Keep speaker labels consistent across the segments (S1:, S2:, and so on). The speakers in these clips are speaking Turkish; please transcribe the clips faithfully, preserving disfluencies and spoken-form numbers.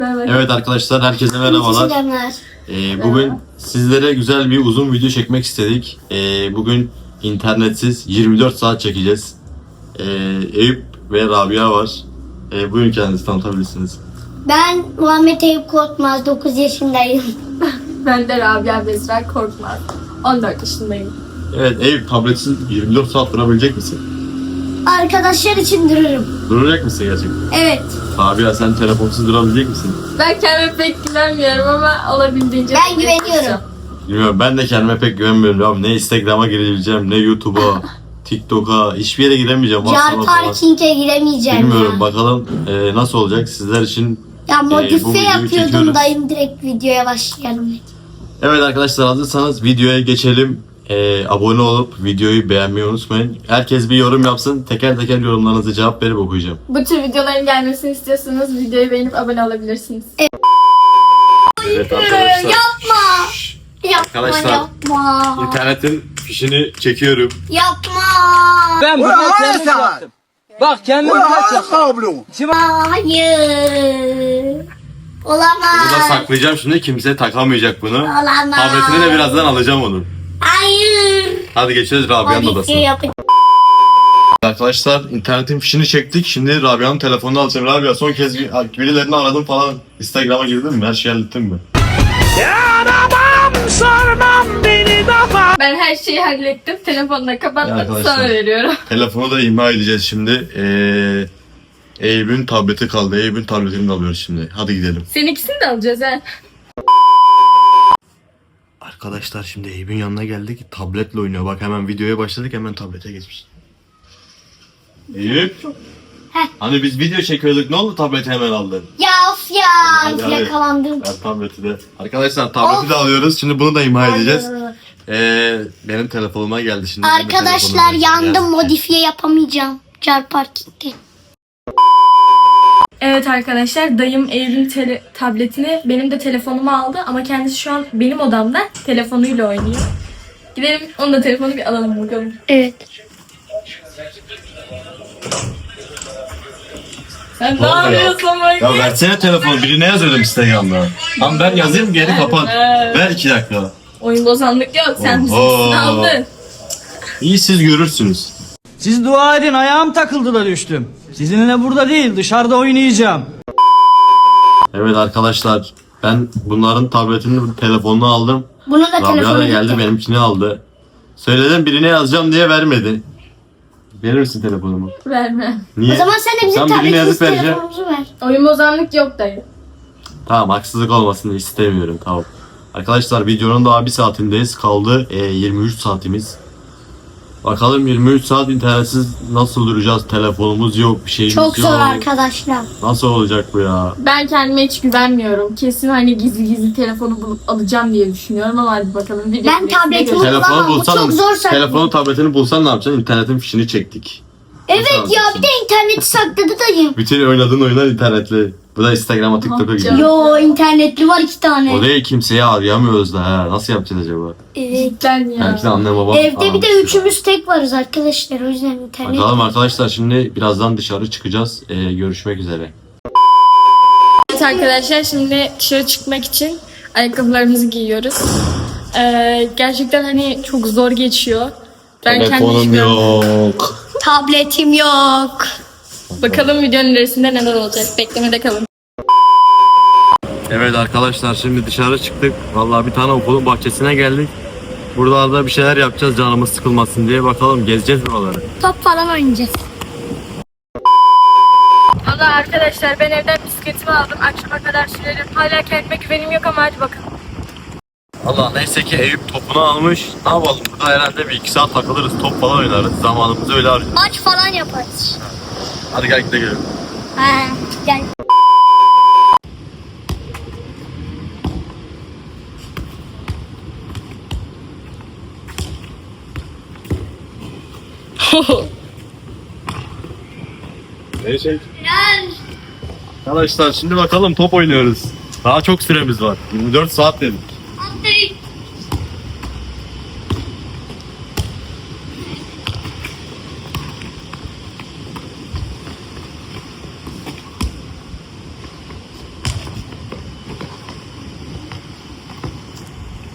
S1: Evet arkadaşlar, herkese merhabalar. Ee, bugün sizlere güzel bir uzun video çekmek istedik. Ee, bugün internetsiz yirmi dört saat çekeceğiz. Ee, Eyüp ve Rabia var. Ee, buyurun, kendinizi tanıtabilirsiniz.
S2: Ben Muhammed Eyüp Korkmaz, dokuz yaşındayım.
S3: Ben de Rabia Bezra Korkmaz, on dört yaşındayım.
S1: Evet Eyüp, tabletsiz yirmi dört saat durabilecek misin?
S2: Arkadaşlar için dururum.
S1: Duracak mısın gerçekten?
S2: Evet.
S1: Rabia, sen telefonsuz durabilecek misin?
S3: Ben kendime pek güvenmiyorum ama olabildiğince...
S2: Ben güveniyorum.
S1: Bilmiyorum, ben de kendime pek güvenmiyorum abi. Ne Instagram'a girebileceğim, ne YouTube'a, TikTok'a, hiçbir yere giremeyeceğim.
S2: Car parking'e giremeyeceğim
S1: Bilmiyorum,
S2: ya.
S1: bakalım e, nasıl olacak sizler için.
S2: Ya
S1: bu
S2: modifiye
S1: videoyu
S2: yapıyordum
S1: çekiyoruz.
S2: dayım, direkt videoya başlayalım.
S1: Evet arkadaşlar, hazırsanız videoya geçelim. Ee, abone olup videoyu beğenmeyi unutmayın. Herkes bir yorum yapsın. Teker teker yorumlarınızı cevap verip okuyacağım.
S3: Bu tür videoların gelmesini istiyorsanız videoyu beğenip abone olabilirsiniz.
S1: Evet arkadaşlar.
S2: Yapma. Yapma,
S1: Arkadaşlar,
S2: yapma.
S1: İnternetin fişini çekiyorum.
S2: Yapma.
S4: Ben bunu kendim yaptım. Bak kendim yaptım.
S2: Hayır. Olamaz.
S1: Burada saklayacağım şimdi. Kimse takamayacak bunu.
S2: Olamaz.
S1: Tabletini de birazdan alacağım onun.
S2: Hayır.
S1: Hadi geçeceğiz Rabia'nın
S2: Modifiye
S1: odasına.
S2: yapacağım.
S1: Arkadaşlar, internetin fişini çektik. Şimdi Rabia'nın telefonunu alacağım. Rabia, son kez bir- birilerini aradım falan. Instagram'a girdin mi? Her şeyi hallettin mi?
S3: Ben her şeyi hallettim. Telefonunu
S1: Ya
S3: kapatmadım.
S1: arkadaşlar.
S3: Sana veriyorum.
S1: Telefonu da imha edeceğiz şimdi. Ee, Eyüp'ün tableti kaldı. Eyüp'ün tabletini de alıyoruz şimdi. Hadi gidelim.
S3: Seninkisini de alacağız ha.
S1: Arkadaşlar, şimdi Eyüp'ün yanına geldik. Tabletle oynuyor. Bak, hemen videoya başladık, hemen tablete geçmiş. Eyüp.
S2: Heh.
S1: Hani biz video çekiyorduk, ne oldu, tableti hemen aldın?
S2: Ya of ya.
S1: Hadi, hadi.
S2: Yakalandım.
S1: Ben tableti de. Arkadaşlar, tableti de alıyoruz. Şimdi bunu da imha edeceğiz.
S2: Hayır.
S1: Ee, benim telefonuma geldi şimdi. benim
S2: Arkadaşlar,
S1: telefonuma
S2: yandım,
S1: geldi.
S2: modifiye yapamayacağım. Car parking'de.
S3: Evet arkadaşlar, dayım Eyüp'ün tele- tabletini benim de telefonumu aldı ama kendisi şu an benim odamda telefonuyla oynuyor. Gidelim onun da telefonu bir alalım bakalım.
S2: Evet.
S3: Sen ne
S1: Ne oluyor?
S3: yapıyorsun
S1: Ya
S3: bakayım?
S1: versene telefonu. Birine yazıyordum Instagram'da. Tamam, ben yazayım, geri kapat. Ver iki dakika.
S3: Oyun bozanlık yok, sen
S1: Oho.
S3: bizimkisini aldın.
S1: İyi, siz görürsünüz.
S4: Siz dua edin, ayağım takıldı da düştüm. Sizinle burada değil, dışarıda oynayacağım.
S1: Evet arkadaşlar, ben bunların tabletini, telefonunu aldım.
S2: Bunu da
S1: Rabia da
S2: telefonu
S1: geldi,
S2: gitti.
S1: benimkini aldı. Söyledim, birine yazacağım diye vermedi. Verir misin telefonumu?
S3: Verme.
S1: Niye?
S2: O zaman sen de bizim
S1: Sen birine
S2: tabletimiz
S1: yazıp vereceksin.
S2: telefonumuzu ver.
S3: Oyun bozanlık yok dayı.
S1: Tamam, haksızlık olmasını istemiyorum, tamam. Arkadaşlar, videonun daha bir saatindeyiz. Kaldı e, yirmi üç saatimiz. Bakalım yirmi üç saat internetsiz nasıl duracağız? Telefonumuz yok, bir şeyimiz
S2: Çok
S1: yok.
S2: zor arkadaşlar.
S1: Nasıl olacak bu ya?
S3: Ben kendime hiç güvenmiyorum. Kesin hani gizli gizli telefonu bulup alacağım diye düşünüyorum ama hadi bakalım. Video
S2: Ben tabletimi bulamam.
S1: Telefonu
S2: Bu
S1: bulsan,
S2: çok zor saklı.
S1: telefonu tabletini bulsan ne yapacaksın? İnternetin fişini çektik.
S2: Evet ya,
S1: alacaksın?
S2: bir de interneti sakladı dayım.
S1: Bütün oynadığın oyunlar internetli. Bu da Instagram'a, TikTok'a gidiyor.
S2: Yo, internetli var iki tane.
S1: O değil, kimseyi arayamıyoruz da ha. Nasıl yapacağız acaba?
S2: Evet.
S3: Cidden ya.
S1: Belki de annem babam
S2: Evde bir de
S1: aramıştır.
S2: üçümüz tek varız arkadaşlar, o yüzden internet.
S1: Bakalım arkadaşlar, şimdi birazdan dışarı çıkacağız. Ee, görüşmek üzere.
S3: Evet arkadaşlar, şimdi dışarı çıkmak için ayakkabılarımızı giyiyoruz. Ee, gerçekten hani çok zor geçiyor. Ben kendim
S1: Telefonum
S3: düşünüyorum.
S1: yok.
S2: Tabletim yok.
S3: Bakalım videonun ilerisinde neler olacak. Beklemede kalın.
S1: Evet arkadaşlar, şimdi dışarı çıktık. Vallahi bir tane okulun bahçesine geldik. Buralarda bir şeyler yapacağız, canımız sıkılmasın diye. Bakalım, gezeceğiz buraları.
S2: Top falan oynayacağız.
S3: Valla arkadaşlar, ben evden bisikletimi aldım. Akşama kadar sürerim. Hala kendime güvenim yok ama hadi bakalım.
S1: Allah, neyse ki Eyüp topunu almış. Ne yapalım, burada herhalde bir iki saat takılırız, top falan oynarız. Zamanımızı öyle harcarız.
S2: Maç falan yaparız.
S1: Hadi gel gidelim.
S2: Ha, gel.
S1: Neyse.
S2: Gel.
S1: Arkadaşlar, şimdi bakalım, top oynuyoruz. Daha çok süremiz var. yirmi dört saat dedik.
S2: Hadi.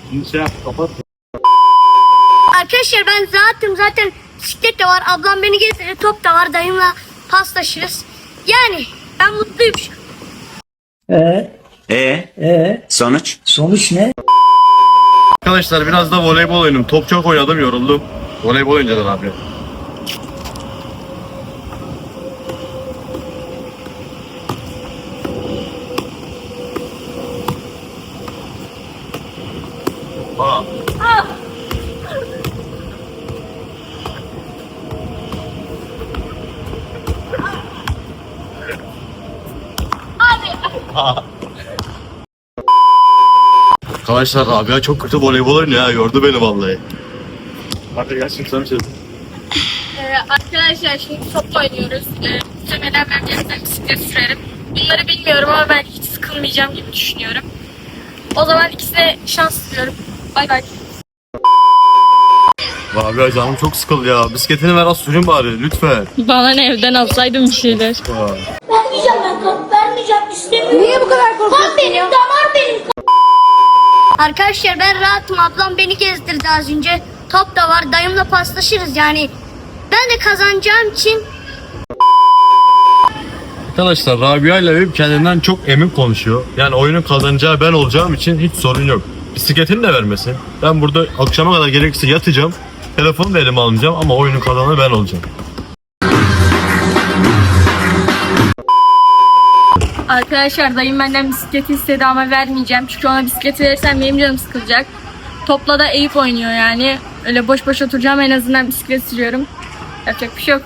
S1: Şey yap, kapat.
S2: Arkadaşlar ben rahatım zaten, bisiklet de var, ablam beni gezdirir, top da var, dayımla paslaşırız. Yani ben mutluyum şu an.
S5: Ee,
S6: E
S5: ee,
S6: sonuç?
S5: sonuç ne?
S1: Arkadaşlar biraz da voleybol oynadım. Top çok oynadım, yoruldum. Voleybol oynayacağız abi. Aa. Arkadaşlar abi çok kötü voleybol oynuyor ya, yordu beni vallahi. Hadi gel şimdi sana bir şey.
S3: Ee, arkadaşlar şimdi top oynuyoruz. Ee, muhtemelen ben birazdan bisiklet sürerim. Bunları bilmiyorum ama ben hiç sıkılmayacağım gibi düşünüyorum. O zaman ikisine şans diliyorum. Bay bay.
S1: Abi ya canım çok sıkıldı ya. Bisikletini ver, az sürün bari lütfen.
S3: Bana ne, evden alsaydım bir şeyler.
S2: Vermeyeceğim ben top, vermeyeceğim, istemiyorum. Niye bu kadar korkuyorsun? Top benim, damar benim. Arkadaşlar ben rahatım, ablam beni gezdirdi az önce. Top da var, dayımla paslaşırız yani. Ben de kazanacağım için.
S1: Arkadaşlar Rabia ile Eyüp kendinden çok emin konuşuyor. Yani oyunun kazanacağı ben olacağım için hiç sorun yok. Bisikletini de vermesin. Ben burada akşama kadar gerekirse yatacağım. Telefonu da elime almayacağım ama oyunun kazananı ben olacağım.
S3: Arkadaşlar dayım benden bisikleti istedi ama vermeyeceğim. Çünkü ona bisikleti verirsem benim canım sıkılacak. Topla da Eyüp oynuyor yani. Öyle boş boş oturacağım, en azından bisiklet sürüyorum. Yapacak bir şey yok.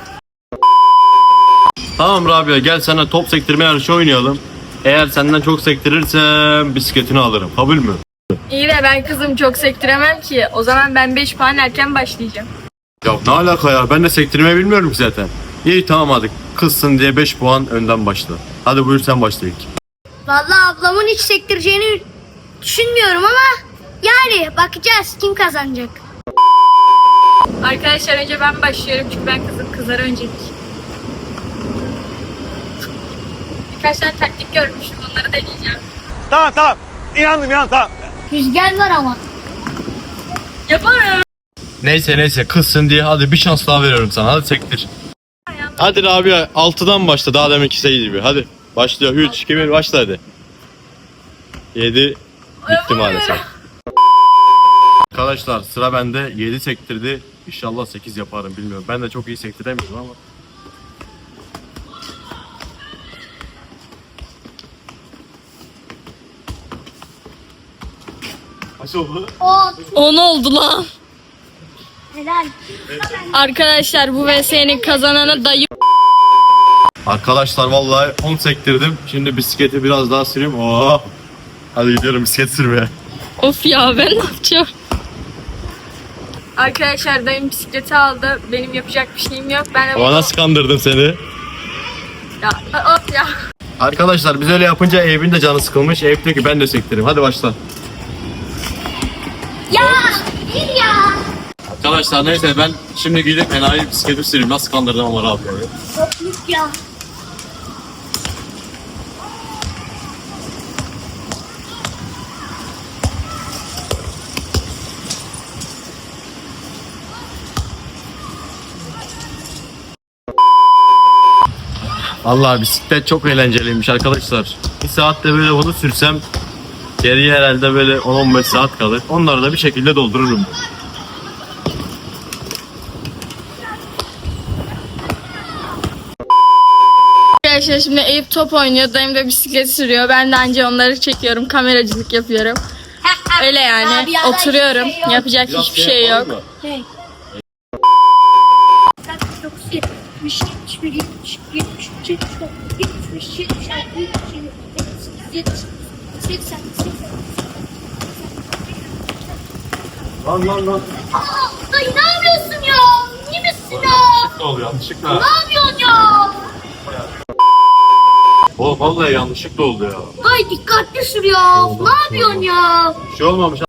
S1: Tamam Rabia, gel sana top sektirme yarışı oynayalım. Eğer senden çok sektirirsem bisikletini alırım. Kabul mü?
S3: İyi de ben kızım çok sektiremem ki. O zaman ben beş puan erken başlayacağım.
S1: Ya ne alaka ya? Ben de sektirmeyi bilmiyorum ki zaten. İyi tamam hadi. Kızsın diye beş puan önden başla. Hadi buyur sen başla ilk.
S2: Vallahi ablamın hiç sektireceğini düşünmüyorum ama yani bakacağız kim kazanacak.
S3: Arkadaşlar önce ben başlıyorum çünkü ben kızım, kızlar öncelik. Birkaç tane taktik görmüşüm, onları deneyeceğim.
S7: Tamam tamam. İnandım inandım tamam.
S2: Rüzgar var ama.
S3: Yaparım.
S1: Neyse neyse kızsın diye hadi bir şans daha veriyorum sana. Hadi sektir. Hadi Rabia altıdan başla, daha deminki şey gibi. Hadi başlıyor. üç, iki, bir başla hadi. yedi bitti maalesef. Arkadaşlar sıra bende. yedi sektirdi. İnşallah sekiz yaparım, bilmiyorum. Ben de çok iyi sektiremiyorum ama. Kaç oldu?
S2: On.
S3: on oldu lan.
S2: Helal.
S3: Arkadaşlar bu V S'nin kazananı dayı.
S1: Arkadaşlar vallahi on sektirdim. Şimdi bisikleti biraz daha süreyim. Oo. Hadi gidiyorum bisiklet sürmeye.
S3: Of ya, ben ne yapacağım? Arkadaşlar dayım bisikleti aldı. Benim yapacak bir şeyim yok. Ben de
S1: Ama nasıl kandırdım seni?
S3: Ya, of ya.
S1: Arkadaşlar biz öyle yapınca Eyüp'ün de canı sıkılmış. Eyüp diyor ki ben de sektireyim. Hadi başla.
S2: Ya bir ya.
S1: Arkadaşlar neyse ben şimdi gidip enayi bisikleti süreyim. Nasıl kandırdım ama abi.
S2: Topluk ya.
S1: Vallahi bisiklet çok eğlenceliymiş arkadaşlar. Bir saatte böyle bunu sürsem geriye herhalde böyle on on beş saat kalır. Onları da bir şekilde doldururum.
S3: Arkadaşlar şimdi Eyüp top oynuyor. Dayım da bisiklet sürüyor. Ben de anca onları çekiyorum. Kameracılık yapıyorum. Öyle yani.
S2: Abi ya,
S3: Oturuyorum.
S2: hiçbir şey yok.
S3: Yapacak hiçbir şey yok.
S2: Hey. dokuz, yetmiş, yetmiş bir, yetmiş, yetmiş üç, yetmiş dört, yetmiş beş, yetmiş altı, yetmiş yedi, yetmiş sekiz, yetmiş dokuz, seksen, seksen.
S1: Lan lan lan.
S2: Aa, dayı ne yapıyorsun ya? İyi misin ya?
S1: Ne oluyor yanlışlıkla?
S2: Ne yapıyorsun ya?
S1: O vallahi yanlışlıkla oldu ya.
S2: Dayı dikkatli sür ya. Ne yapıyorsun ya?
S1: Bir şey olmamış.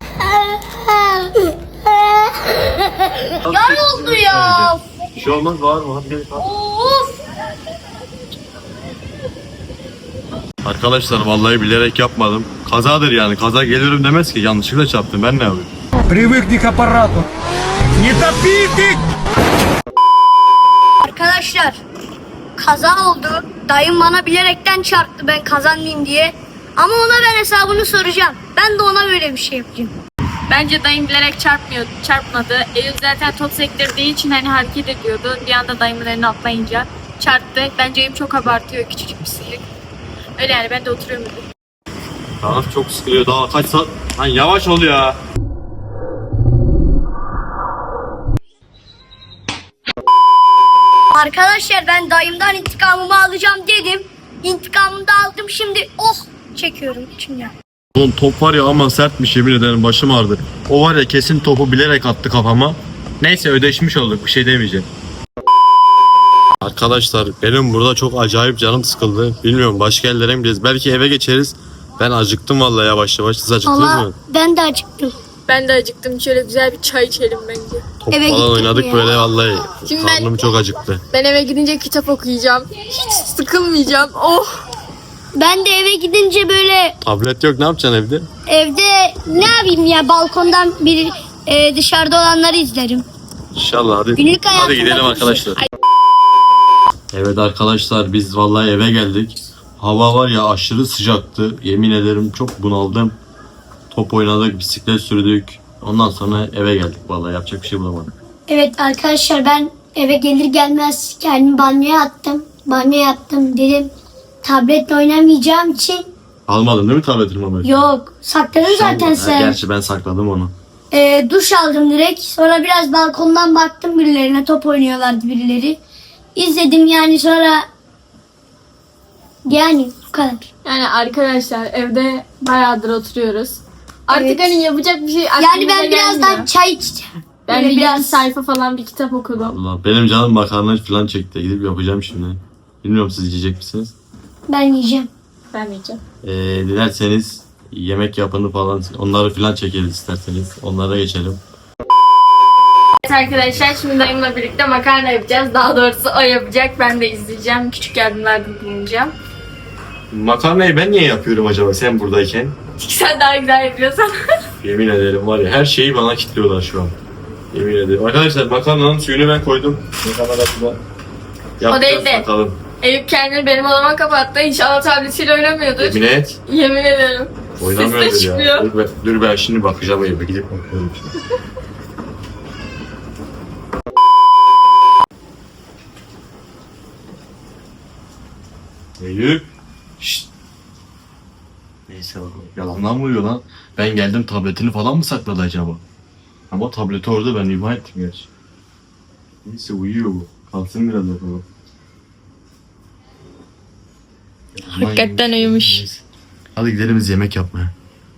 S2: Yar oldu ya.
S1: Bir şey olmaz, var mı? Hadi gel.
S2: Of.
S1: Arkadaşlar vallahi bilerek yapmadım. kazadır yani. Kaza geliyorum demez ki, yanlışlıkla çarptım, ben ne yapayım?
S7: Привыкни к аппарату. Не топите!
S2: Arkadaşlar kaza oldu. Dayım bana bilerekten çarptı ben kazanmayayım diye. Ama ona ben hesabını soracağım. Ben de ona böyle bir şey yapacağım.
S3: Bence dayım bilerek çarpmıyor, çarpmadı. Eyüp zaten top sektirdiği için hani hareket ediyordu. Bir anda dayımın eline atlayınca çarptı. Bence Eyüp çok abartıyor, küçücük bir silik. Öyle yani, ben de oturuyorum.
S1: Tamam, çok sıkılıyor, daha kaç saat. Lan yavaş ol ya.
S2: Arkadaşlar ben dayımdan intikamımı alacağım dedim. İntikamımı da aldım, şimdi oh çekiyorum içimden.
S1: Oğlum top var ya, ama sertmiş, yemin ederim başım ağrıdı. O var ya, kesin topu bilerek attı kafama. Neyse, ödeşmiş olduk, bir şey demeyeceğim. Arkadaşlar benim burada çok acayip canım sıkıldı. Bilmiyorum, başka yerlere mi gideceğiz? Belki eve geçeriz. Ben acıktım vallahi yavaş yavaş. Siz acıktınız
S2: Allah
S1: mı?
S2: ben de acıktım.
S3: Ben de acıktım. Şöyle güzel bir çay içelim bence.
S1: Top
S2: Eve
S1: falan
S2: gittik
S1: oynadık
S2: ya.
S1: böyle vallahi.
S3: Şimdi ben-
S1: Karnım çok acıktı.
S3: Ben eve gidince kitap okuyacağım. Hiç sıkılmayacağım. Oh!
S2: Ben de eve gidince böyle
S1: Tablet yok, ne yapacaksın evde?
S2: evde ne yapayım ya, balkondan bir e, dışarıda olanları izlerim.
S1: İnşallah, hadi.
S2: Günlük
S1: Hadi
S2: hayatımda
S1: gidelim
S2: bir
S1: arkadaşlar. Evet arkadaşlar, biz vallahi eve geldik. Hava var ya, aşırı sıcaktı. Yemin ederim çok bunaldım. Top oynadık, bisiklet sürdük. Ondan sonra eve geldik vallahi, yapacak bir şey bulamadık.
S2: Evet arkadaşlar, ben eve gelir gelmez kendimi banyoya attım. Banyoya attım dedim. Tabletle oynamayacağım için
S1: Almadın değil mi tabletini Mehmet?
S2: yok sakladım zaten
S1: Ha,
S2: sen.
S1: gerçi ben sakladım onu.
S2: Ee, duş aldım direkt. Sonra biraz balkondan baktım birilerine, top oynuyorlardı birileri. İzledim yani, sonra yani bu kadar.
S3: Yani arkadaşlar evde bayağıdır oturuyoruz. Artık
S2: Evet.
S3: hani yapacak bir şey
S2: Yani
S3: aklımıza
S2: ben birazdan
S3: gelmiyor.
S2: çay içeceğim.
S3: Ben
S2: Böyle
S3: bir
S2: biraz-
S3: yarım sayfa falan bir kitap okudum.
S1: Allah, benim canım makarna falan çekti. Gidip yapacağım şimdi. Bilmiyorum, siz yiyecek misiniz?
S2: Ben yiyeceğim.
S3: Ben yiyeceğim.
S1: Ee, dilerseniz yemek yapını falan, onları falan çekeriz isterseniz. Onlara geçelim.
S3: Evet arkadaşlar, şimdi dayımla birlikte makarna yapacağız. Daha doğrusu o yapacak. Ben de izleyeceğim. Küçük yardımlarda bulunacağım.
S1: Makarnayı ben niye yapıyorum acaba sen buradayken?
S3: Çünkü sen daha güzel yapıyorsun.
S1: Yemin ederim var ya, her şeyi bana kilitliyorlar şu an. Yemin ederim. Arkadaşlar makarnanın suyunu ben koydum. Makarna da burada.
S3: O değil
S1: Yapacağız
S3: de.
S1: bakalım.
S3: Eyüp kendini benim odama kapattı. İnşallah tabletiyle oynamıyordur.
S1: Yemin et.
S3: Yemin ederim. Ses de
S1: Oynamıyordur ya.
S3: çıkmıyor.
S1: Dur ben, dur ben şimdi bakacağım Eyüp'e, gidip bakıyorum şimdi. Eyüp. Şşt. Neyse bakalım. Yalandan mı uyuyor lan? Ben geldim, tabletini falan mı sakladı acaba? Ama tableti orada, ben imha ettim gerçi. Neyse, uyuyor bu. Kalsın biraz bakalım.
S3: Hakikaten uyumuş.
S1: Neyse. Hadi gidelim biz yemek yapmaya.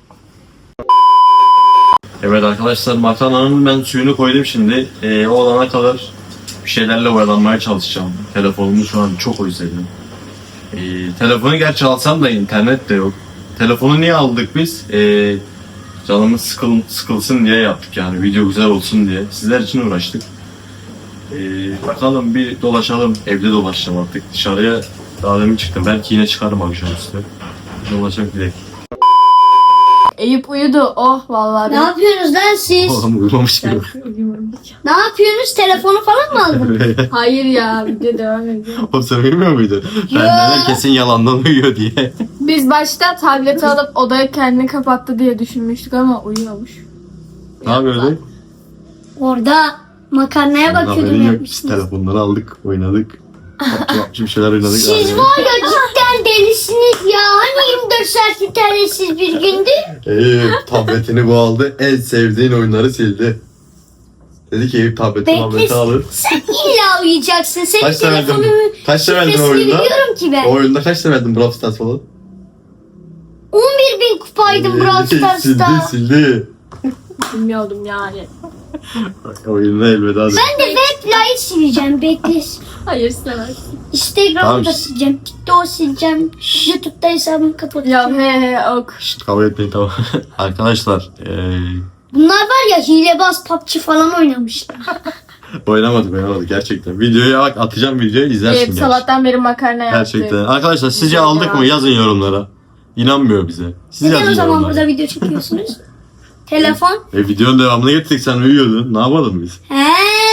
S1: Evet arkadaşlar, makarnanın ben suyunu koydum şimdi. Ee, o olana kadar bir şeylerle oyalanmaya çalışacağım. Telefonumu şu an çok özledim. Ee, telefonu gerçi alsam da internet de yok. Telefonu niye aldık biz? Ee, canımız sıkıl, sıkılsın diye yaptık yani. Video güzel olsun diye. Sizler için uğraştık. Ee, bakalım bir dolaşalım. Evde dolaşacağım artık. Dışarıya daha demin çıktım. Belki yine çıkarım akşam üstü. Dolaşalım gidelim.
S3: Eyüp uyudu. Oh vallahi.
S2: Ne yapıyorsunuz lan siz?
S1: Oğlum uyumamış gibi.
S2: Ne yapıyorsunuz? Telefonu falan mı aldın?
S3: Hayır ya, video devam ediyor.
S1: Oğlum sen bilmiyor muydun? Ben neler kesin yalandan uyuyor diye.
S3: Biz başta tableti alıp odaya kendini kapattı diye düşünmüştük ama uyuyormuş.
S1: Ne yapıyordun?
S2: Orada makarnaya bakıyordum,
S1: Haberin yok. Biz
S2: yapmışsınız.
S1: telefonları aldık, oynadık. Yaptım yaptım şeyler oynadık.
S2: Siz
S1: Yani.
S2: var ya cidden delisiniz ya. Hani yirmi dört saat internetsiz bir gündü?
S1: Eyüp tabletini bu aldı. En sevdiğin oyunları sildi. Dedi ki Eyüp tableti
S2: Bekle.
S1: tableti alır.
S2: Sen illa uyuyacaksın. Senin
S1: Kaç tane verdin?
S2: telefonunun
S1: Kaç tane verdin
S2: şifresini
S1: oyunda?
S2: biliyorum ki ben.
S1: O oyunda kaç tane verdin Brawl Stars falan?
S2: on bir bin kupaydım Brawl
S1: Sildi
S2: Stars'ta.
S1: sildi.
S3: Bilmiyordum yani.
S1: Oyunda elveda dedi.
S2: Ben de Webfly'ı sileceğim. Bekle.
S3: Hayır istemezsin.
S2: Instagram'ı
S1: Tamam.
S2: da sileceğim. TikTok'u sileceğim. YouTube'da hesabımı
S3: Ya
S2: kapatacağım.
S3: he he ok.
S1: Şşt, kavga etmeyin tamam. Arkadaşlar eee
S2: Bunlar var ya hilebaz P U B G falan oynamışlar.
S1: oynamadık oynamadık gerçekten. Videoya bak, atacağım videoyu izlersin.
S3: Eyüp
S1: gerçi.
S3: sabahtan beri makarna yaptı.
S1: Gerçekten. Arkadaşlar sizce
S3: Güzel
S1: aldık
S3: ya.
S1: mı? Yazın yorumlara. İnanmıyor bize. Siz
S2: Neden o
S1: yazın
S2: zaman
S1: yorumlara.
S2: burada video çekiyorsunuz? Telefon.
S1: E videonun devamını getirdik, sen uyuyordun. Ne yapalım biz?
S2: He.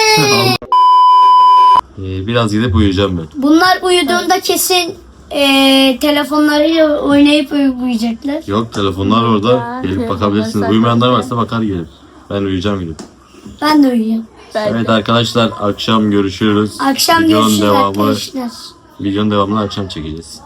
S1: Ee, biraz gidip uyuyacağım ben.
S2: Bunlar uyuduğunda kesin eee telefonlarıyla oynayıp uyuyacaklar.
S1: Yok, telefonlar orada. Gelip bakabilirsiniz. Uyumayanlar varsa bakar gelir. Ben uyuyacağım gidip.
S2: Ben de uyuyorum.
S1: Evet arkadaşlar, akşam görüşürüz.
S2: Akşam
S1: Videonun
S2: görüşürüz
S1: devamı,
S2: arkadaşlar.
S1: Videonun devamını akşam çekeceğiz.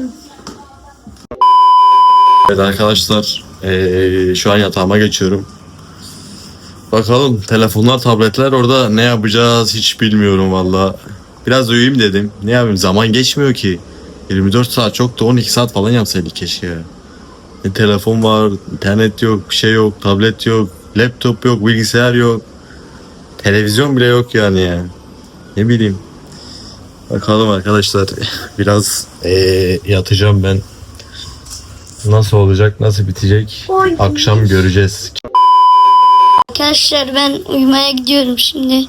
S1: Evet arkadaşlar, ee, şu an yatağıma geçiyorum. Bakalım telefonlar, tabletler orada ne yapacağız hiç bilmiyorum valla. Biraz uyuyayım dedim. Ne yapayım, zaman geçmiyor ki. yirmi dört saat çok da on iki saat falan yapsaydık keşke ya. Ne telefon var, internet yok, bir şey yok, tablet yok, laptop yok, bilgisayar yok. Televizyon bile yok yani ya. Ne bileyim. Bakalım arkadaşlar. Biraz ee, yatacağım ben. Nasıl olacak, nasıl bitecek?
S2: Oy.
S1: Akşam göreceğiz.
S2: Arkadaşlar ben uyumaya gidiyorum şimdi.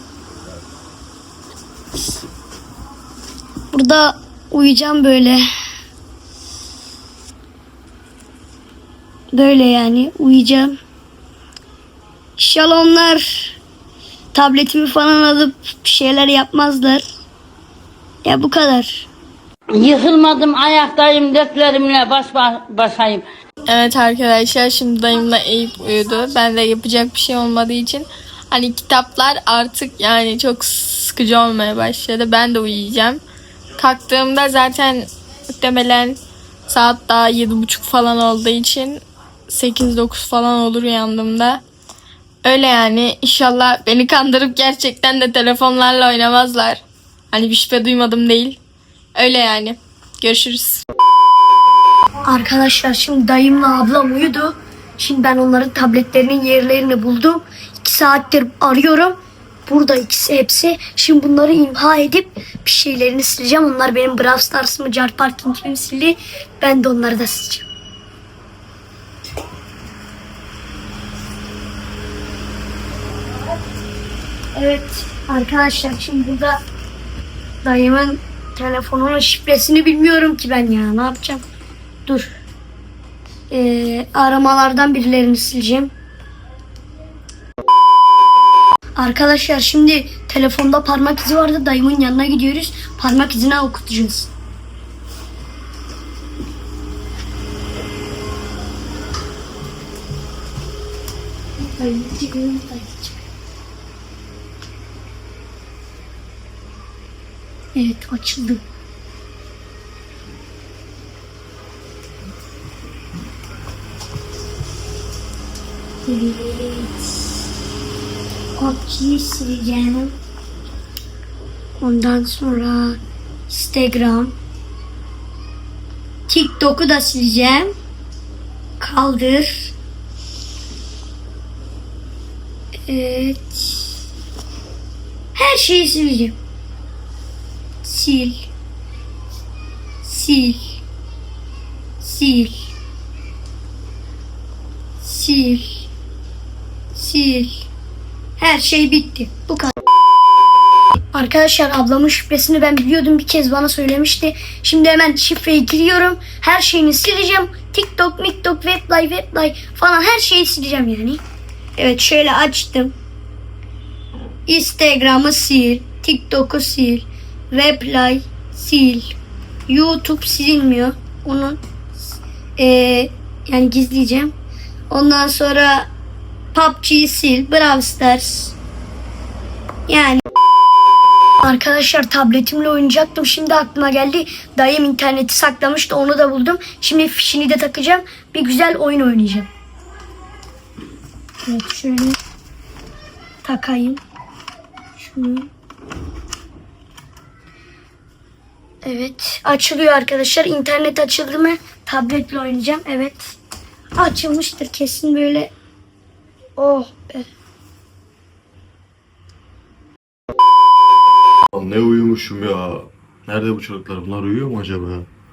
S2: Burada uyuyacağım böyle. Böyle yani uyuyacağım. İnşallah onlar tabletimi falan alıp bir şeyler yapmazlar. Ya bu kadar.
S5: Yıkılmadım, ayaktayım, dörtlerimle baş başayım.
S3: Evet arkadaşlar, şimdi dayımla Eyüp uyudu. Ben de yapacak bir şey olmadığı için hani kitaplar artık yani çok sıkıcı olmaya başladı. Ben de uyuyacağım. Kalktığımda zaten muhtemelen saat daha yedi buçuk falan olduğu için sekiz dokuz falan olur uyandığımda. Öyle yani, inşallah beni kandırıp gerçekten de telefonlarla oynamazlar. Hani bir şüphe duymadım değil. Öyle yani. Görüşürüz.
S2: Arkadaşlar şimdi dayımla ablam uyudu. Şimdi ben onların tabletlerinin yerlerini buldum. İki saattir arıyorum. Burada ikisi hepsi. Şimdi bunları imha edip bir şeylerini sileceğim. Onlar benim Brawl Stars'ımı, Car Parking'imi sildi. Ben de onları da sileceğim. Evet arkadaşlar, şimdi burada dayımın telefonunun şifresini bilmiyorum ki ben ya. Ne yapacağım? Dur. Ee, aramalardan birilerini sileceğim. Arkadaşlar şimdi telefonda parmak izi vardı. Dayımın yanına gidiyoruz. Parmak izini okutacağız. Evet, açıldı. Evet. P U B G'yi sileceğim. Ondan sonra Instagram. TikTok'u da sileceğim. Kaldır. Evet. Her şeyi sileceğim. Sil. Sil. Sil. Sil. Sil. Her şey bitti. Bu kadar. Arkadaşlar ablamın şifresini ben biliyordum. Bir kez bana söylemişti. Şimdi hemen şifreyi giriyorum. Her şeyini sileceğim. TikTok, MikTok, Weblay, Weblay falan her şeyi sileceğim yani. Evet, şöyle açtım. Instagram'ı sil. TikTok'u sil. Weblay sil. YouTube silinmiyor. Onu ee, yani gizleyeceğim. Ondan sonra P U B G'yi sil. Brawl Stars. Yani arkadaşlar tabletimle oynayacaktım. Şimdi aklıma geldi. Dayım interneti saklamıştı. Onu da buldum. Şimdi fişini de takacağım. Bir güzel oyun oynayacağım. Evet, şöyle takayım. Şunu. Evet, açılıyor arkadaşlar. İnternet açıldı mı tabletle oynayacağım. Evet, açılmıştır kesin böyle. Oh be.
S1: Ne uyumuşum ya. Nerede bu çocuklar? Bunlar uyuyor mu acaba?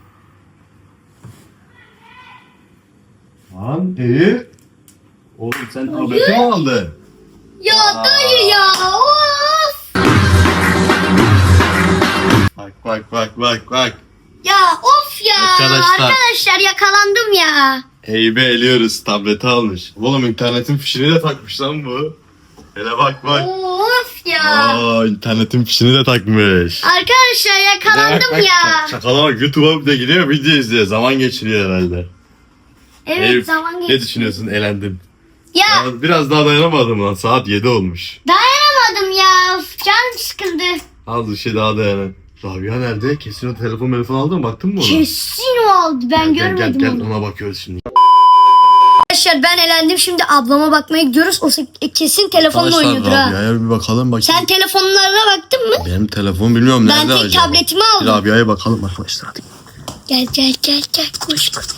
S1: Lan Eyüp. Oğlum sen tableti mi aldın?
S2: Ya dayı ya. Of.
S1: Bak bak bak bak bak.
S2: Ya of ya.
S1: Arkadaşlar.
S2: Arkadaşlar yakalandım ya.
S1: Eyüp'e eliyoruz. Tableti almış. Oğlum internetin fişini de takmış lan bu. Hele bak bak.
S2: Of ya.
S1: Aa, internetin fişini de takmış.
S2: Arkadaşlar yakalandım
S1: Bak,
S2: ya.
S1: Şakala bak, YouTube'a bir de gidiyor, video izliyor. Zaman geçiriyor herhalde.
S2: Evet
S1: Eyüp,
S2: zaman
S1: ne
S2: geçti.
S1: düşünüyorsun? Elendin.
S2: Ya
S1: Ya, biraz daha dayanamadım lan. Saat yedi olmuş.
S2: dayanamadım ya. Of, canım sıkıldı.
S1: Az bir şey daha dayanın. Rabia nerede? Kesin o telefon telefon aldın mı? Baktın mı ona?
S2: Kesin o aldı. Ben
S1: Gel,
S2: görmedim
S1: gel, gel,
S2: onu.
S1: ona bakıyoruz şimdi.
S2: Arkadaşlar ben elendim. Şimdi ablama bakmaya gidiyoruz. O se- kesin telefonla oynuyordur ha.
S1: Rabia'ya bir bakalım bakayım.
S2: Sen telefonlarına baktın mı?
S1: Benim telefon bilmiyorum
S2: Ben
S1: nerede
S2: tek
S1: acaba?
S2: tabletimi aldım.
S1: Rabia'ya bakalım arkadaşlar hadi.
S2: Gel gel gel gel koş koş.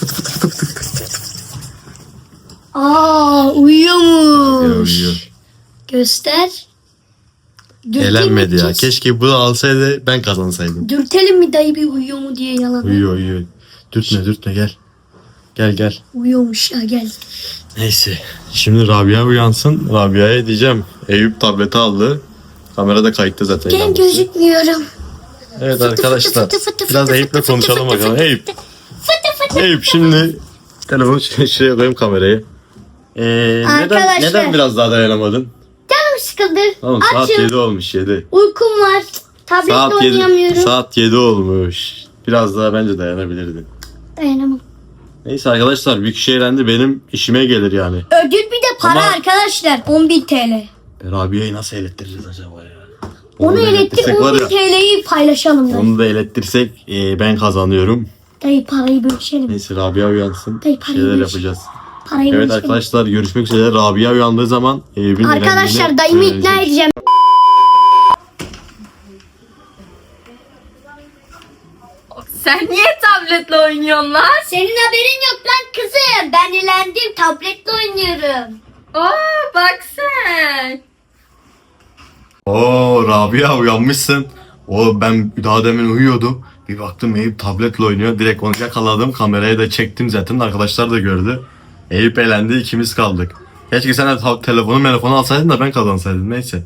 S2: Aa uyuyormuş.
S1: Uyuyor.
S2: Göster. Dürtelim
S1: Elenmedi
S2: mi
S1: ya.
S2: kes?
S1: Keşke bu alsaydı ben kazansaydım.
S2: Dürtelim mi dayı bir uyuyor mu diye yalan.
S1: Uyuyor uyuyor. Dürtme dürtme gel. Gel gel.
S2: Uyuyormuş ya gel.
S1: Neyse. Şimdi Rabia uyansın. Rabia'ya diyeceğim. Eyüp tableti aldı. Kamerada kayıtta zaten.
S2: Ben
S1: yalnız.
S2: gözükmüyorum.
S1: Evet
S2: Fıtı
S1: arkadaşlar.
S2: fıtı fıtı fıtı
S1: Biraz
S2: fıtı
S1: Eyüp'le
S2: fıtı
S1: konuşalım
S2: fıtı
S1: bakalım.
S2: fıtı
S1: Eyüp.
S2: Fıtı fıtı.
S1: Eyüp şimdi telefonu şuraya şuraya koyayım kamerayı. Ee, neden,
S2: Arkadaşlar.
S1: neden biraz daha dayanamadın?
S2: Canım sıkıldı.
S1: Oğlum saat
S2: Açım.
S1: yedi olmuş yedi.
S2: Uykum var. Tabletle
S1: Saat yedi,
S2: oynayamıyorum.
S1: saat yedi olmuş. Biraz daha bence dayanabilirdin.
S2: Dayanamam.
S1: Neyse arkadaşlar bir kişi eğlendi benim işime gelir yani.
S2: Ödül bir de para
S1: Ama-
S2: arkadaşlar. on bin T L.
S1: E, Rabia'yı nasıl elettireceğiz acaba ya?
S2: Onu
S1: da
S2: elettir
S1: elettirsek var
S2: on bin
S1: ya,
S2: T L'yi paylaşalım dayı.
S1: onu da elettirsek e, ben kazanıyorum.
S2: Dayı parayı bölüşelim.
S1: Neyse Rabia uyansın.
S2: Dayı,
S1: Bir
S2: parayı
S1: şeyler
S2: bölüş.
S1: yapacağız.
S2: Parayı
S1: Evet
S2: bölüşelim.
S1: arkadaşlar görüşmek üzere. Rabia uyandığı zaman Eyüp'ün
S2: Arkadaşlar
S1: elendiğini
S2: dayımı
S1: öğreneceğiz.
S2: ikna edeceğim.
S3: Sen niye tabletle oynuyorsun lan?
S2: Senin haberin yok lan kızım. Ben elendim. Tabletle oynuyorum.
S3: Aa bak sen.
S1: Oo Rabia uyanmışsın. O ben daha demin uyuyordum. Bir baktım Eyüp tabletle oynuyor. Direkt onu yakaladım. Kameraya da çektim zaten. Arkadaşlar da gördü. Eyüp elendi. İkimiz kaldık. Keşke sen de ta- telefonu telefonu alsaydın da ben kazansaydım. Neyse.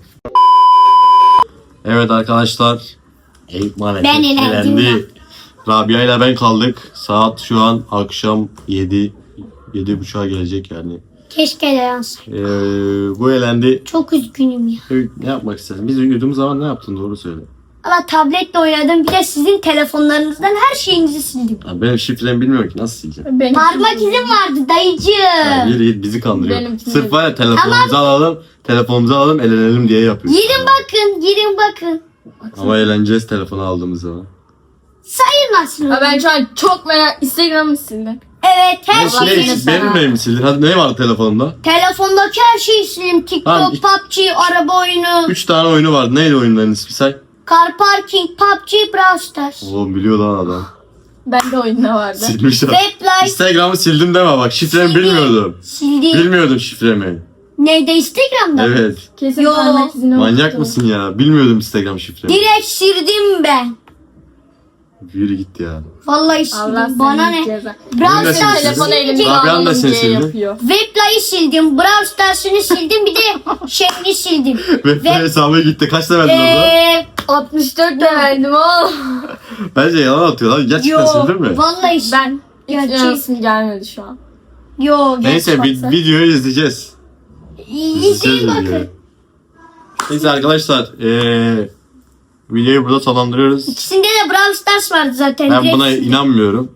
S1: Evet arkadaşlar. Eyüp maalesef
S2: Ben elendim
S1: elendi. Rabia ile ben kaldık. Saat şu an akşam yedi. Yedi buçuğa gelecek yani.
S2: Keşke de yansın.
S1: Ee, bu elendi.
S2: Çok üzgünüm ya.
S1: Eyüp, ne yapmak istedin? Biz uyuduğumuz zaman ne yaptın? Doğru söyle.
S2: Ama tabletle oynadım. Bir de sizin telefonlarınızdan her şeyinizi sildim.
S1: Ya benim şifremi bilmiyorum ki nasıl sileceğim.
S3: Benim
S2: Parmak izim vardı
S1: Ya
S2: dayıcığım.
S1: yürü git bizi kandırıyor.
S3: Benimkini-
S1: Sırf var ya telefonumuzu alalım, telefonumuzu alalım elenelim diye yapıyor.
S2: Girin bakın, girin bakın.
S1: Ama eğleneceğiz telefonu aldığımız zaman.
S2: Sayılmasın.
S3: Aa, ben şu an çok merak Instagram'ı sildim.
S2: Evet her
S1: Ne,
S2: şeyi
S1: ne,
S2: sildim.
S1: benim neyimi sildin? Hadi ne var telefonda?
S2: Telefondaki her şeyi sildim. TikTok,
S1: Tamam.
S2: P U B G, araba oyunu,
S1: Üç tane oyunu vardı. Neydi oyunların ismi say?
S2: car parking, P U B G, Brawl Stars.
S1: Oğlum biliyor lan adam.
S3: Bende oyunda vardı.
S1: Silmiş adam.
S2: Weblife
S1: Instagram'ı sildim deme bak şifremi
S2: sildim.
S1: bilmiyordum.
S2: Sildim.
S1: Bilmiyordum şifremi.
S2: Neydi Instagram'da? mı?
S1: Evet.
S3: Kesin
S2: Yo.
S3: parmak izini
S1: Manyak
S3: unuttum.
S1: mısın ya? Bilmiyordum Instagram şifremi.
S2: Direkt sildim ben.
S1: Yürü git ya.
S2: Vallahi sildim.
S3: Allah
S2: Bana
S3: seni
S2: ne?
S3: ceza.
S2: Brawl
S1: Oyunu da
S2: Stars
S1: silsin.
S3: Telefonu
S2: silince
S3: elimde
S1: Rabia'nın da
S3: alınca
S1: seni sildi.
S3: yapıyor.
S2: Weblife'ı sildim. Brawl Stars'ını sildim. Bir de şeyini sildim.
S1: Web
S2: Ve-
S1: hesabı gitti. Kaç verdin orada?
S2: Eee
S3: altmış dört de verdim oğlum.
S1: Bence yalan atıyor lan. Gerçekten
S2: yo
S1: sildin mi?
S2: vallahi sildim.
S3: Ben hiç
S2: Gerçek.
S3: inanasım gelmedi şu an.
S2: Yo
S1: Neyse
S2: gerçek.
S1: vi- videoyu izleyeceğiz.
S2: İzleyin
S1: İzleyeceğiz
S2: bakın.
S1: videoyu. Neyse arkadaşlar eee videoyu burada sonlandırıyoruz.
S2: İkisinde de Brawl Stars vardı zaten.
S1: Ben
S2: direkt
S1: buna
S2: sildim.
S1: inanmıyorum.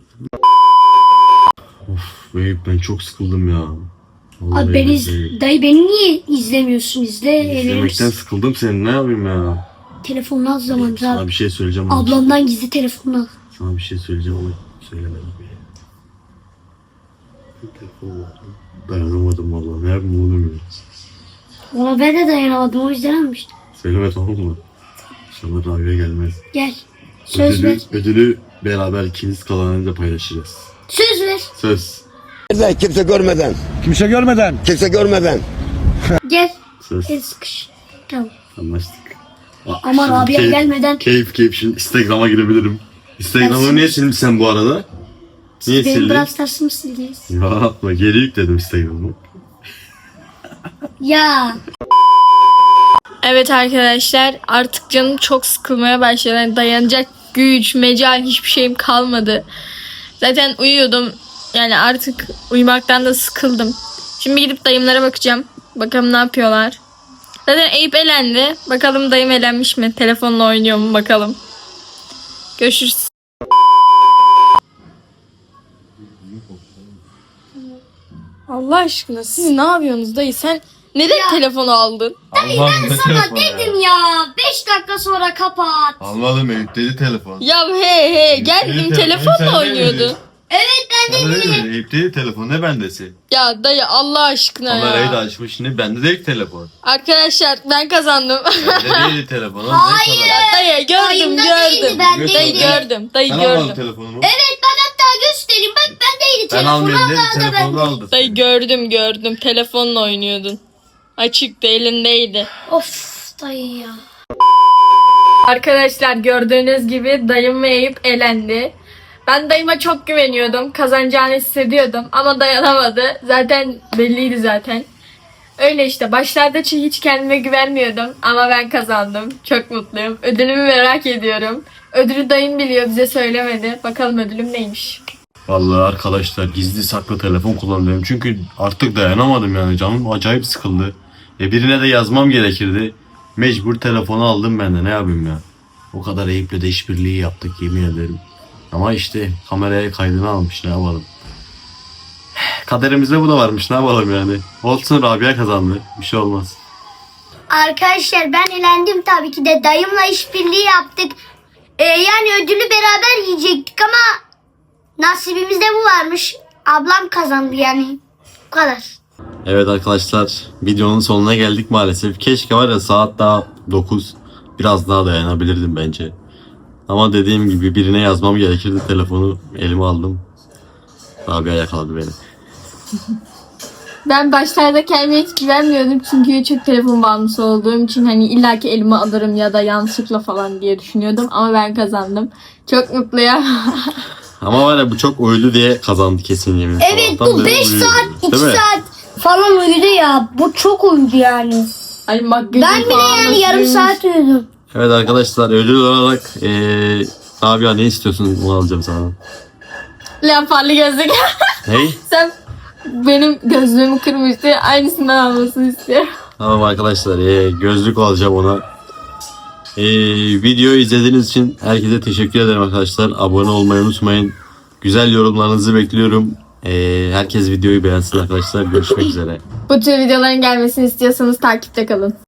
S1: Of Eyüp ben çok sıkıldım ya. Vallahi
S2: Abi ben iz...
S1: billahi.
S2: Dayı beni niye izlemiyorsun? İzle.
S1: İzlemekten
S2: Evet.
S1: sıkıldım senin ne yapayım ya.
S2: Telefonunu al zaman.
S1: Sana bir şey söyleyeceğim ama.
S2: Ablamdan gizli telefonunu al.
S1: Sana bir şey söyleyeceğim ama söylemedim. Telefon var. Dayanamadım valla. Ne yapayım oğlum ya.
S2: Valla ben de dayanamadım o yüzden almıştım.
S1: Söyleme tamam mı? İnşallah Rabia gelmez.
S2: Gel. Söz ver.
S1: Ödülü, ödülü beraber ikimiz kalanlarıyla paylaşacağız.
S2: Söz ver.
S1: Söz.
S6: Nerede? Kimse görmeden.
S7: Kimse görmeden.
S6: Kimse görmeden.
S2: Gel.
S1: Söz.
S2: Gel sıkış. Tamam.
S1: Anlaştık. Aa,
S2: Ama
S1: şimdi
S2: Rabia
S1: keyif-
S2: gelmeden-
S1: Keyif keyif şimdi Instagram'a girebilirim. Instagram'ı
S2: Ben
S1: niye silmişsin sen bu arada? Niye
S2: Benim
S1: sildin?
S2: Brawl Stars'ımı sildiniz.
S1: Ya atma geri yükledim Instagram'ı.
S2: Ya.
S3: Evet arkadaşlar artık canım çok sıkılmaya başladı. Yani dayanacak güç, mecal hiçbir şeyim kalmadı. Zaten uyuyordum. Yani artık uyumaktan da sıkıldım. Şimdi gidip dayımlara bakacağım. Bakalım ne yapıyorlar. Zaten Eyüp elendi. Bakalım dayım elenmiş mi? Telefonla oynuyor mu bakalım. Görüşürüz. Allah aşkına siz ne yapıyorsunuz dayı? Sen neden telefonu aldın?
S1: Allah'ım ne
S2: Sana
S1: telefon ya.
S2: dedim ya. beş dakika sonra kapat.
S1: Almadım Eyüp dedi telefon.
S3: Ya he he geldim
S1: Eyüp,
S3: telefonla
S1: sen de
S3: oynuyordu.
S1: mi?
S2: Evet ben
S1: Sen
S2: de
S1: öyle mi? Eyüp dedi telefon ne bendesi?
S3: Ya dayı Allah aşkına
S1: Kamerayı da
S3: ya.
S1: açmış şimdi bende değil telefon.
S3: Arkadaşlar ben kazandım.
S1: Bende değil telefon.
S2: Hayır.
S3: Dayı gördüm
S2: Dayımda değildi,
S3: gördüm.
S2: bendeydi.
S3: Dayı gördüm. Dayı
S1: Sen almadın
S3: gördüm.
S1: telefonumu.
S2: Evet ben hatta göstereyim. Bak bendeydi
S1: Ben
S2: telefonu.
S1: almıyorum dedim
S2: Allah da
S1: telefonu
S2: bende.
S1: aldı.
S3: Dayı gördüm gördüm. Telefonla oynuyordun. Açıktı elindeydi.
S2: Of dayı ya.
S3: Arkadaşlar gördüğünüz gibi dayım ve Eyüp elendi. Ben dayıma çok güveniyordum. Kazanacağını hissediyordum ama dayanamadı. Zaten belliydi zaten. Öyle işte. Başlarda hiç kendime güvenmiyordum ama ben kazandım. Çok mutluyum. Ödülümü merak ediyorum. Ödülü dayım biliyor, bize söylemedi. Bakalım ödülüm neymiş.
S1: Vallahi arkadaşlar gizli saklı telefon kullanıyorum. Çünkü artık dayanamadım yani. Canım acayip sıkıldı. E birine de yazmam gerekirdi. Mecbur telefonu aldım ben de ne yapayım ya. O kadar Eyüp'le de işbirliği yaptık yemin ederim. Ama işte kameraya kaydını almış ne yapalım. Kaderimizde bu da varmış ne yapalım yani. Olsun Rabia kazandı. Bir şey olmaz.
S2: Arkadaşlar ben elendim tabii ki de. Dayımla işbirliği yaptık. Ee, yani ödülü beraber yiyecektik ama nasibimizde bu varmış. Ablam kazandı yani. Bu kadar.
S1: Evet arkadaşlar videonun sonuna geldik maalesef. Keşke var ya saat daha dokuz. Biraz daha dayanabilirdim bence. Ama dediğim gibi birine yazmam gerekirdi. Telefonu elime aldım. Rabia yakaladı beni.
S3: Ben başlarda kendime hiç güvenmiyordum çünkü çok telefon bağımlısı olduğum için hani illaki elime alırım ya da yanlışlıkla falan diye düşünüyordum ama ben kazandım. Çok mutluyum.
S1: Ama var ya bu çok uyudu diye kazandı kesin yemin.
S2: Evet
S1: Sabahtan
S2: bu
S1: beri
S2: beş
S1: uyuyor.
S2: saat iki
S1: Değil mi?
S2: saat falan uyudu ya. Bu çok uyudu yani.
S3: Hani makyajım
S2: Ben bile
S3: falan
S2: yani
S3: nasıl
S2: yarım
S3: uyumuş?
S2: saat uyudum.
S1: Evet arkadaşlar ödül olarak eee Rabia ne istiyorsun onu alacağım sana.
S3: Leoparlı gözlük.
S1: Hey?
S3: Sen benim gözlüğümü kırmıştı. Aynısından almasını istiyorum.
S1: Tamam arkadaşlar eee, gözlük alacağım ona. Eee videoyu izlediğiniz için herkese teşekkür ederim arkadaşlar. Abone olmayı unutmayın. Güzel yorumlarınızı bekliyorum. Eee, herkes videoyu beğensin arkadaşlar. Görüşmek üzere.
S3: Bu tür videoların gelmesini istiyorsanız takipte kalın.